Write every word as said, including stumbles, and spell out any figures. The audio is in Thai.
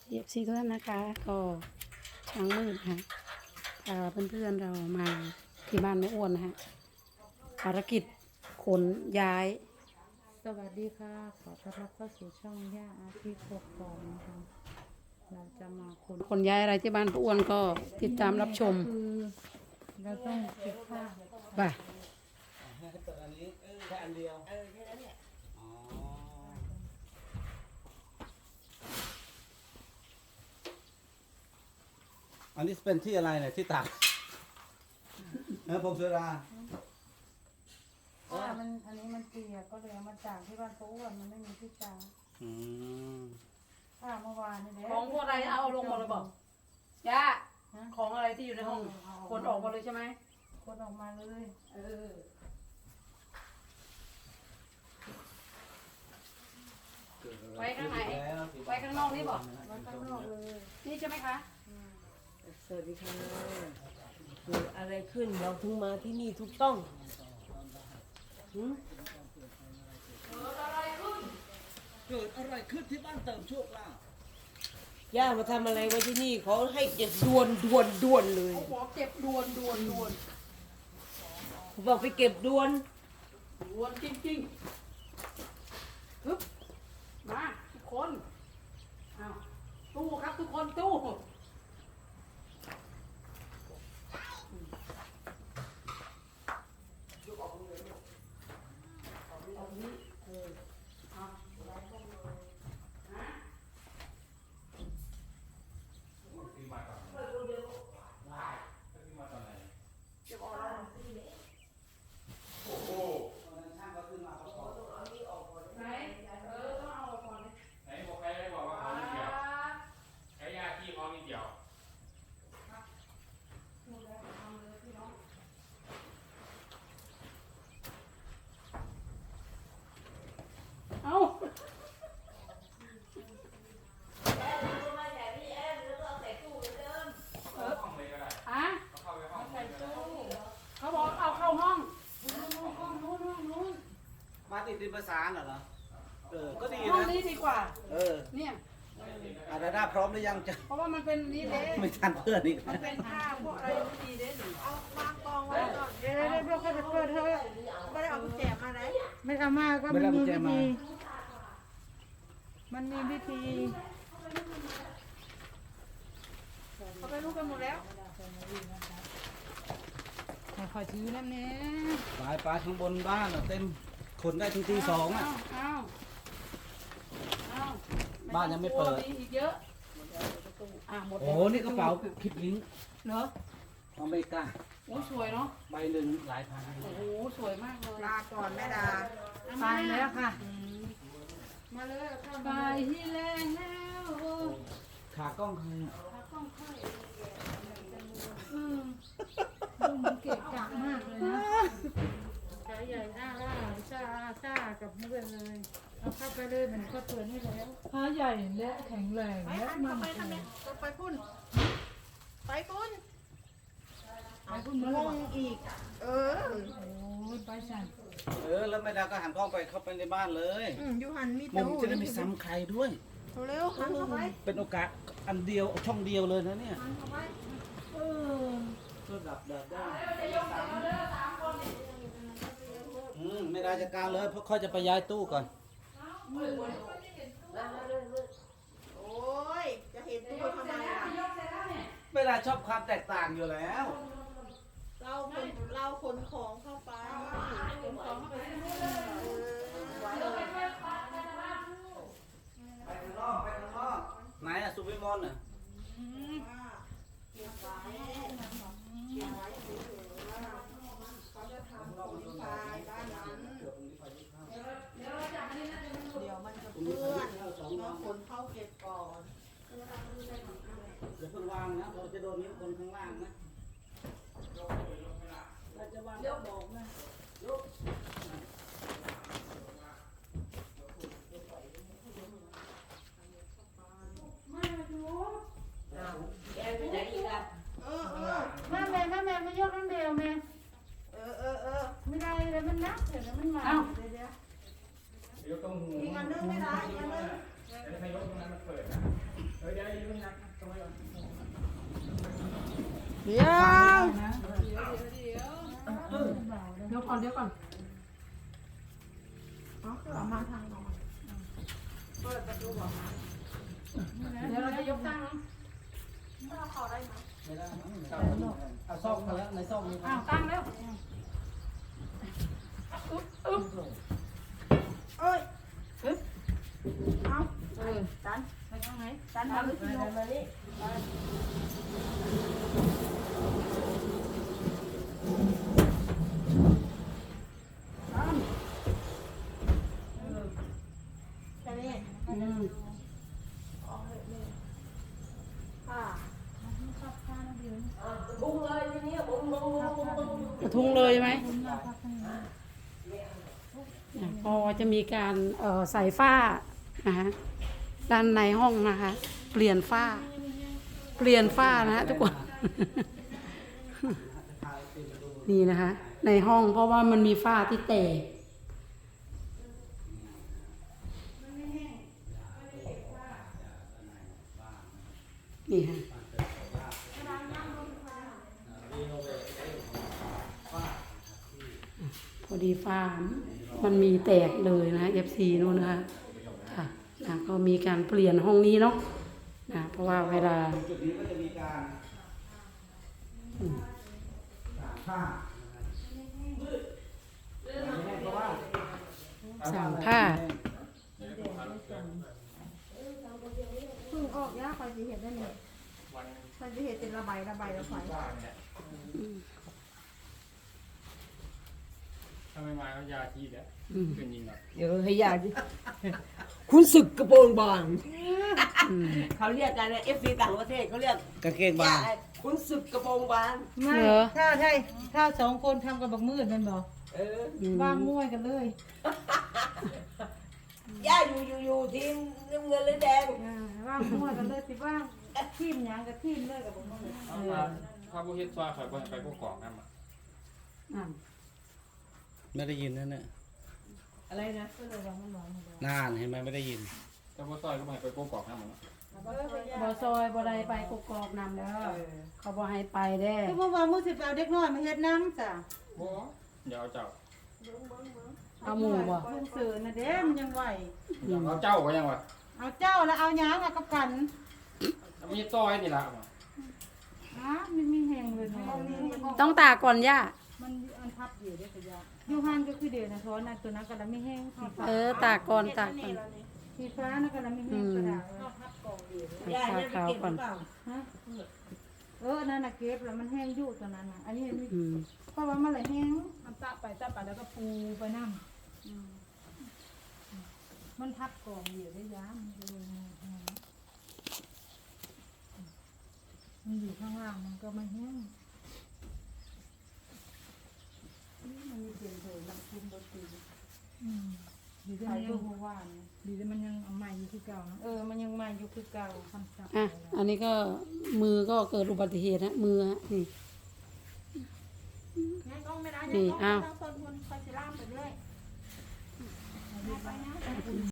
เอฟซีทุกท่านนะคะก็ช้างมืดค่ะพาเพื่อนๆเรามาที่บ้านแม่อ้วนนะฮะภารกิจขนย้ายสวัสดีค่ะขอต้อนรับเข้าสู่ช่องย่าอาทิตย์กกอกนะคะเราจะมาขนขนย้ายอะไรที่บ้านป้าอ้วนก็ติดตามรับชมคือเราต้องเก็บผ้าไปให้เปิดอันนี้เออแค่อันเดียวเออแค่นั้นแหละอ๋ออันนี้เป็นที่อะไรเนี่ยที่ตากเออผมสุราผ้ามันอันนี้มันเปียกก็เลยเอามาจากที่บ้านป้าอ้วนมันไม่มีที่ตากอืมผ้าเมื่อวานนี่แหละของพวกอะไรเอาลงหมดเลยบอกย่าของอะไรที่อยู่ในห้องขนออกหมดเลยใช่ไหมคนออกมาเลยเออไว้ข้างไหนไว้ข้างนอกนี่บอกไว้ข้างนอกเลยนี่ใช่ไหมคะสวัสดีค่ะเกิดอะไรขึ้นเราถึงมาที่นี่ทุกช่องหืมเกิดอะไรขึ้นที่บ้านเติมโชคลาภย่ามาทำอะไรไว้ที่นี่เขาให้เก็บด่วนด่วนด่วนเลยเขาบอกเก็บด่วนด่วนด่วนเขาบอกไปเก็บด่วนด่วนจริงๆฮึบมาทุกคนอ้าวตู้ครับทุกคนตู้ไหนเออต้องเอาออกก่อนเลยไหนบอกใครได้บอกว่าเขาไม่เกี่ยวใช้ยาที่เขาไม่เกี่ยวดูแลทำเลยพี่น้องเอาห้องเลยก็ได้อะเขาเข้าไปห้องเลยก็ได้เขาบอกเอาเข้าห้องห้องนู้นห้องนู้นมาติดดินประสานเหรอเออก็ดีห้องนะนี้ดีกว่าเออเนี่ยอาดาด้าพร้อมหรือยังจะเพราะว่ามันเป็นนี้เด้ไม่ทันเพื่อนอีกมันเป็นผ้าพวกอะไรไม่ดีเด้หนิเอาวางกองไว้ก่อนเดี๋ยวเดี๋ยวเดี๋ยวเขาจะเปิดเถอะไม่ได้เอากุญแจมาไหนไม่เอามาก็มันมีวิธีมันมีวิธีเขาไปรู้กันหมดแล้วให้ขอถือน้ำเนี้ยปลายปลายข้างบนบ้านอะเต็มขนได้ถึงตีสองอ่ะเอาเอาบ้านยังไม่เปิดมีอีกเยอะอ่ะหมดโอ้โหนี่กระเป๋าคลิปลิงก์เหรออเมริกาโอ้สวยเนาะใบหนึ่งหลายพันโอ้โหสวยมากเลยลาก่อนแม่ดาไปแล้วค่ะมาเลยเอาเข้าไปมาที่แรงแล้วโอ้ขากล้องใครอะต้องค่อยอืมดูมันเกะกะมากเลยนะขาใหญ่อ้าล่าซ่าซ่ากับเพื่อนเลยเอาเข้าไปเลยมันก็เปิดให้แล้วขาใหญ่และแข็งแรงและมั่นคงไปพุ่นไปพุ่นไปพุ่นมางงอีก เออโอ้ยไปสั่นเออแล้วไม่ได้ก็หันกล้องไปเข้าไปในบ้านเลยอืมยูหันมีมุมจะได้ไม่ซ้ำใครด้วยเร็วหันเข้าไปเป็นโอกาสอันเดียวช่องเดียวเลยนะเนี่ยหันเข้าไปเออระดับเดินได้อืมไม่ได้จัดการเลยเพราะค่อยจะไปย้ายตู้ก่อนโอ้ยจะเห็นตู้ทำไมล่ะไม่ได้ชอบความแตกต่างอยู่แล้วเราขนเราขนของเข้าไปขนของเข้าไปที่นู่นเออไปข้างนอกไปข้างนอกไหนอะสุวิมลอะเก็บไว้เก็บไว้เฉยๆว่าเขาจะทำของไฟบ้านนั้น เดี๋ยวมันจะเปื้อนเราขนเข้าเก็บก่อนเดี๋ยวเพิ่งวางนะเราจะโดนนิ้วคนข้างล่างนะเราจะวางก็บอกนะยกแกไปไหนอีกอ่ะเออเออแม่แม่แม่แม่ไม่ยกน้ำเดียวแม่เออเออเออไม่ได้เลยมันนักเดี๋ยวมันมาเดี๋ยวเดี๋ยวเดี๋ยวต้องหูอีกอันนึงไม่ได้อีกอันนึงเดี๋ยวถ้ายกตรงนั้นมันเปิดนะเฮ้ยเดี๋ยวเดี๋ยวนะเดี๋ยวก่อนเดี๋ยวก่อนเอามาทางเราเดี๋ยวเราจะยกตั้งเนาะไม่ได้เอาซ่อมมาแล้วในซ่อมมีอ้าวตั้งแล้วเอ้ยอึ๊บเอาเออตันไปทางไหนตันมาหรือที่โยกมานี่แค่นี้อืมบุ้งเลยทีนี้บุ้งบุ้งบุ้งบุ้งบุ้งกระทุ้งเลยไหมเนี่ยพอจะมีการเอ่อใส่ฝ้านะคะด้านในห้องนะคะ เปลี่ยนฝ้า เปลี่ยนฝ้านะฮะทุกคน นี่นะคะ ในห้องเพราะว่ามันมีฝ้าที่แตกนี่ค่ะพอดีฝ้ามันมีแตกเลยนะ เอฟ ซี นู่นนะคะค่ะนะก็มีการเปลี่ยนห้องนี้เนาะนะเพราะว่าเวลาจุดนี้ก็จะมีการตากผ้าเพราะว่าสั่งผ้าเพิ่งออกยาคอยสิเห็ดได้เนี่ยวันคอยสิเห็ดเป็นระบายระบายระบายว่าเนี่ยถ้าไม่มาก็ยาทีเดียวอืมเป็นยิงหรอกเดี๋ยวให้ยาดิคุณศึกกระโปรงบางอืมเขาเรียกกันนะเอฟซีต่างประเทศเขาเรียกกางเกงบางคุณศึกกระโปรงบางไม่เหรอถ้าใช่ถ้าสองคนทำกับบักมืดแมันบอกเอออืมว่างมวยกันเลยย่าอยู่อยู่อยู่ทีมน้ำเงินหรือแดงอ่าว่างมวยกันเลยสิว่างทีมหยังกับทีมเลยกับบักมืดเอามาถ้าผู้เฮ็ดซอยข่อยบ่ให้ไปพวกกล่องนั่นมาอ่ะไม่ได้ยินนั่นน่ะอะไรนะก็เลยว่ามันบอกมันบอกนานเห็นไหมไม่ได้ยินแต่ว่าซอยก็บ่ให้ไปพวกกล่องนั่นมาบอซอยบอใดไปกกอกนำแล้วเขาบอให้ไปได้คือเมื่อวานมือสิไปเอาเด็กน้อยมาเฮ็ดน้ำจ้ะบ่เดี๋ยวเอาเจ้าเอาหมูบ่ลุงเสือนะเด้มันยังไหวเอาเจ้าก็ยังวะเอาเจ้าแล้วเอาหยางเอากับกันมีซอยนี่ล่ะเอามาอ้ามันมีแหงเลยเนาะต้องตากก่อนย่ามันอันทับอยู่ด้วยกระยายูฮันก็คือเดียวนะเพราะว่านั่นตัวนั้นก็แล้วไม่แห้งสีฟ้าเออตากก่อนตากก่อนสีฟ้านั่นก็แล้วไม่แห้งกระดาษย่าเนี่ยไปเก็บหรือเปล่าฮะเออนั่นน่ะเก็บแล้วมันแห้งอยู่ตัวนั้นน่ะอันนี้มันอืมเพราะว่ามันเลยแห้งมันตะไปตะไปแล้วก็ปูไปนั่งมันทับกองอยู่ได้ย้ำมันก็เลยมันอยู่ข้างล่างมันก็ไม่แห้งนี่มันมีเปลี่ยนเถอะมันคุมบตีอืมดีแต่มันยังหัววานดีแต่มันยังเอาใหม่อยู่คือเก่าเออมันยังใหม่อยู่คือเก่าคำสั่งอ่ะอันนี้ก็มือก็เกิดอุบัติเหตุนะมือฮะนี่นี่อ้าวต้องคนคอยสิล่ามไปเรื่อย